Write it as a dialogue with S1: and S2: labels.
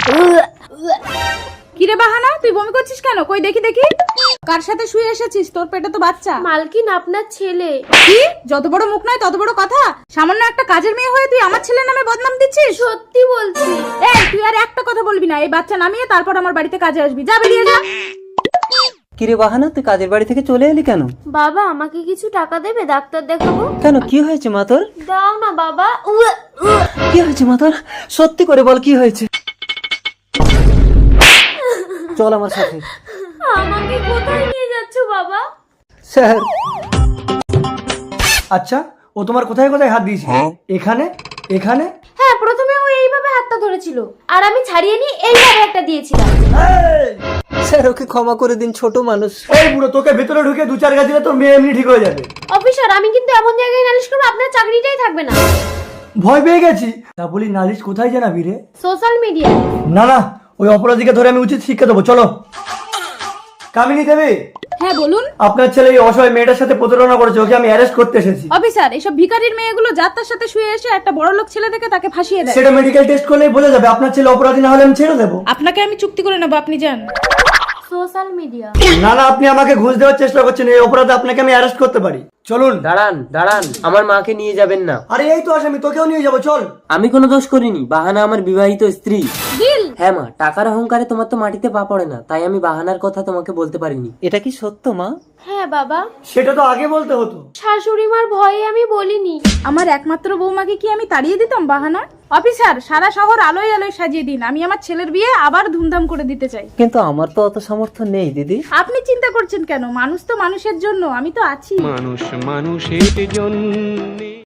S1: কিরে বাহানা, তুই বমি করছিস কেন? কই দেখি দেখি। কার সাথে শুয়ে এসেছিস? তোর পেটে তো বাচ্চা।
S2: মালকিন, আপনার ছেলে।
S1: কি? যত বড় মুখ নয় তত বড় কথা। সামান্য একটা কাজের মেয়ে হয়ে তুই আমার ছেলের নামে বদনাম দিচ্ছিস?
S2: সত্যি বলছি।
S1: এই তুই আর একটা কথা বলবি না। এই বাচ্চা নামিয়ে তারপর আমার বাড়িতে কাজে আসবি। যা, বেরিয়ে যা।
S3: কিরে বাহানা, তুই কাজের বাড়ি থেকে চলে এলি কেন?
S2: বাবা, আমাকে কিছু টাকা দেবে? ডাক্তার দেখাবো।
S3: কেন, কি হয়েছে মা তোর?
S2: দাও না বাবা।
S3: কি হয়েছে মা তোর? সত্যি করে বল, কি হয়েছে? চল আমার সাথে।
S2: আমাকে কোথায় নিয়ে যাচ্ছ বাবা?
S3: স্যার।
S4: আচ্ছা, ও তোমার কোথায় কোথায় হাত দিয়েছে? এখানে, এখানে?
S2: হ্যাঁ, প্রথমে ও এইভাবে হাতটা ধরেছিল আর আমি ছাড়িয়ে নিয়ে এইভাবে একটা দিয়েছিলাম।
S3: স্যার, ওকে ক্ষমা করে দিন, ছোট মানুষ।
S4: এই বুড়ো, তোকে ভেতরে ঢুকে 2-4 গা দিলে তোর মেয়ে এমনি ঠিক হয়ে যাবে।
S2: অফিসার, আমি কিন্তু এমন জায়গায় নালিশ করবো আপনার চাকরিটাই থাকবে না।
S4: ভয় পেয়ে গেছি। তা বলি, নালিশ কোথায় জানাবি রে?
S2: Social media.
S4: না না, ওই অপরাধীকে ধরে আমি উচিত শিক্ষা দেবো। চলো। কামিনী দেবী,
S1: হ্যাঁ বলুন।
S4: আপনার ছেলে এই অসহায় মেয়েটার সাথে প্রতারণা করেছে, ওকে আমি অ্যারেস্ট করতে এসেছি।
S1: অফিসার, এসব ভিখারির মেয়েগুলো যার তার সাথে শুয়ে এসে একটা বড় লোক ছেলে থেকে তাকে ফাঁসিয়ে দেয়।
S4: সেটা মেডিকেল টেস্ট করলেই বোঝা যাবে। আপনার ছেলে অপরাধী না হলে আমি ছেড়ে দেবো।
S1: আপনাকে আমি চুক্তি করে নেবো, আপনি যান।
S2: Social media.
S4: না না, আপনি আমাকে ঘুষ দেওয়ার চেষ্টা করছেন। এই অপরাধে আপনাকে আমি অ্যারেস্ট করতে পারি। চলুন।
S3: দাঁড়ান দাঁড়ান, আমার মাকে নিয়ে যাবেন না।
S4: আরে এই তো আসামি, তোকেও নিয়ে যাবো, চল।
S3: আমি কোনো দোষ করিনি, বাহানা আমার বিবাহিত স্ত্রী।
S1: দিল।
S3: হ্যাঁ মা, টাকার অহংকারে তোমার তো মাটিতে পা পড়ে না, তাই আমি বাহানার কথা তোমাকে বলতে পারিনি। এটা কি সত্য মা?
S2: হ্যাঁ বাবা,
S4: সেটা তো আগে বলতে হতো।
S2: শাশুড়ি মার ভয়ে আমি বলিনি।
S1: আমার একমাত্র বৌমাকে কি আমি তাড়িয়ে দিতাম বাহানা? অফিসার, সারা শহর আলোয় আলোয় সাজিয়ে দিন। আমি আমার ছেলের বিয়ে আবার ধুমধাম করে দিতে চাই।
S3: কিন্তু আমার তো অত সামর্থ্য নেই দিদি।
S1: আপনি চিন্তা করছেন কেন? মানুষ তো মানুষের জন্য, আমি তো আছি।
S5: মানুষ মানুষের জন্য।